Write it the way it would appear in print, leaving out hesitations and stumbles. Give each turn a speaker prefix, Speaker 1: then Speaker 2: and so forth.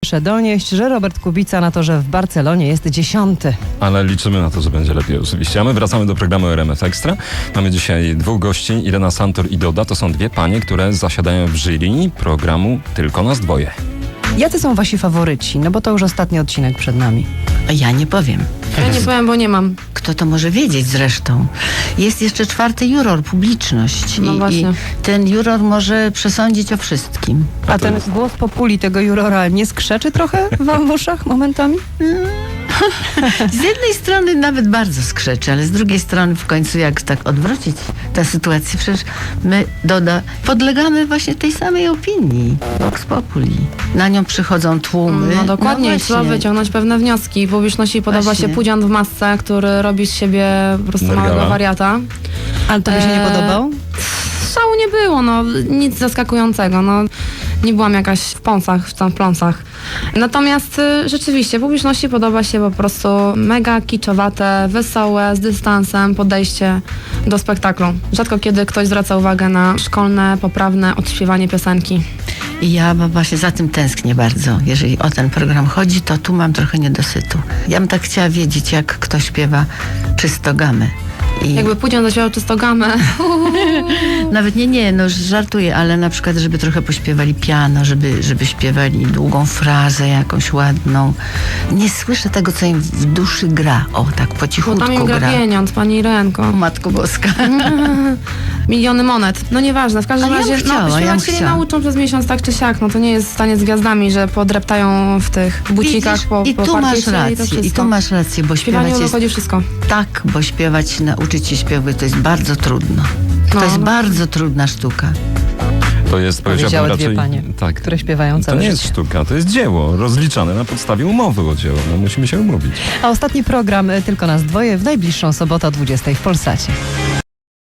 Speaker 1: Piotrze donieść, że Robert Kubica na to, że w Barcelonie jest 10.
Speaker 2: Ale liczymy na to, że będzie lepiej oczywiście. A my wracamy do programu RMF Extra. Mamy dzisiaj dwóch gości, Irena Santor i Doda. To są dwie panie, które zasiadają w jury programu Tylko nas dwoje.
Speaker 1: Jacy są wasi faworyci? No bo to już ostatni odcinek przed nami.
Speaker 3: Ja nie powiem.
Speaker 4: Ja nie powiem, bo nie mam.
Speaker 3: Kto to może wiedzieć zresztą? Jest jeszcze czwarty juror, publiczność.
Speaker 4: No
Speaker 3: I
Speaker 4: właśnie.
Speaker 3: ten juror może przesądzić o wszystkim.
Speaker 1: A ten głos populi tego jurora nie skrzeczy trochę wam w uszach momentami?
Speaker 3: Z jednej strony nawet bardzo skrzeczy, ale z drugiej strony w końcu jak tak odwrócić tę sytuację, przecież my, Doda, podlegamy właśnie tej samej opinii. Vox Populi. Na nią przychodzą tłumy.
Speaker 4: No dokładnie,
Speaker 3: No
Speaker 4: trzeba
Speaker 3: właśnie.
Speaker 4: wyciągnąć pewne wnioski. Publiczności podoba
Speaker 3: Właśnie.
Speaker 4: się pudzian w masce, który robi z siebie po prostu
Speaker 2: Nergala.
Speaker 4: małego wariata.
Speaker 1: Ale to by się nie podobał?
Speaker 4: Szału nie było, no nic zaskakującego, no nie byłam jakaś w pąsach, w pląsach. Natomiast rzeczywiście publiczności podoba się po prostu mega kiczowate, wesołe, z dystansem podejście do spektaklu. Rzadko kiedy ktoś zwraca uwagę na szkolne, poprawne odśpiewanie piosenki.
Speaker 3: I ja właśnie za tym tęsknię bardzo. Jeżeli o ten program chodzi, to tu mam trochę niedosytu. Ja bym tak chciała wiedzieć, jak ktoś śpiewa czysto gamę. I
Speaker 4: Jakby pudzian zaśpiewał czysto gamę.
Speaker 3: nawet nie, no żartuję, ale na przykład, żeby trochę pośpiewali piano, żeby śpiewali długą frazę jakąś ładną. Nie słyszę tego, co im w duszy gra. O, tak po
Speaker 4: Bo
Speaker 3: cichutku
Speaker 4: tam im gra
Speaker 3: gra.
Speaker 4: pieniądz, pani Irenko.
Speaker 3: O, Matko Boska.
Speaker 4: Miliony monet. No nieważne, w każdym
Speaker 3: Ale ja bym
Speaker 4: razie
Speaker 3: chciała,
Speaker 4: śpiewać
Speaker 3: ja bym
Speaker 4: się nie
Speaker 3: chciała.
Speaker 4: nauczą przez miesiąc tak czy siak. No to nie jest stanie z gwiazdami, że podreptają w tych bucikach
Speaker 3: Widzisz?
Speaker 4: po
Speaker 3: I tu masz
Speaker 4: parkiecie
Speaker 3: rację,
Speaker 4: i to
Speaker 3: i
Speaker 4: wszystko.
Speaker 3: tu masz rację, bo
Speaker 4: W śpiewaniu
Speaker 3: śpiewać jest
Speaker 4: wychodzi wszystko.
Speaker 3: tak, bo śpiewać, nauczyć się śpiewać, to jest bardzo trudno. To
Speaker 4: No,
Speaker 3: jest
Speaker 4: no.
Speaker 3: bardzo trudna sztuka.
Speaker 2: To jest, powiedziałbym
Speaker 1: Powiedziały
Speaker 2: raczej...
Speaker 1: dwie panie,
Speaker 2: tak.
Speaker 1: które śpiewają
Speaker 2: To
Speaker 1: całe
Speaker 2: nie jest
Speaker 1: życie.
Speaker 2: sztuka, to jest dzieło rozliczane na podstawie umowy o dzieło. No, musimy się umówić.
Speaker 1: A ostatni program Tylko nas dwoje w najbliższą sobotę o 20 w Polsacie.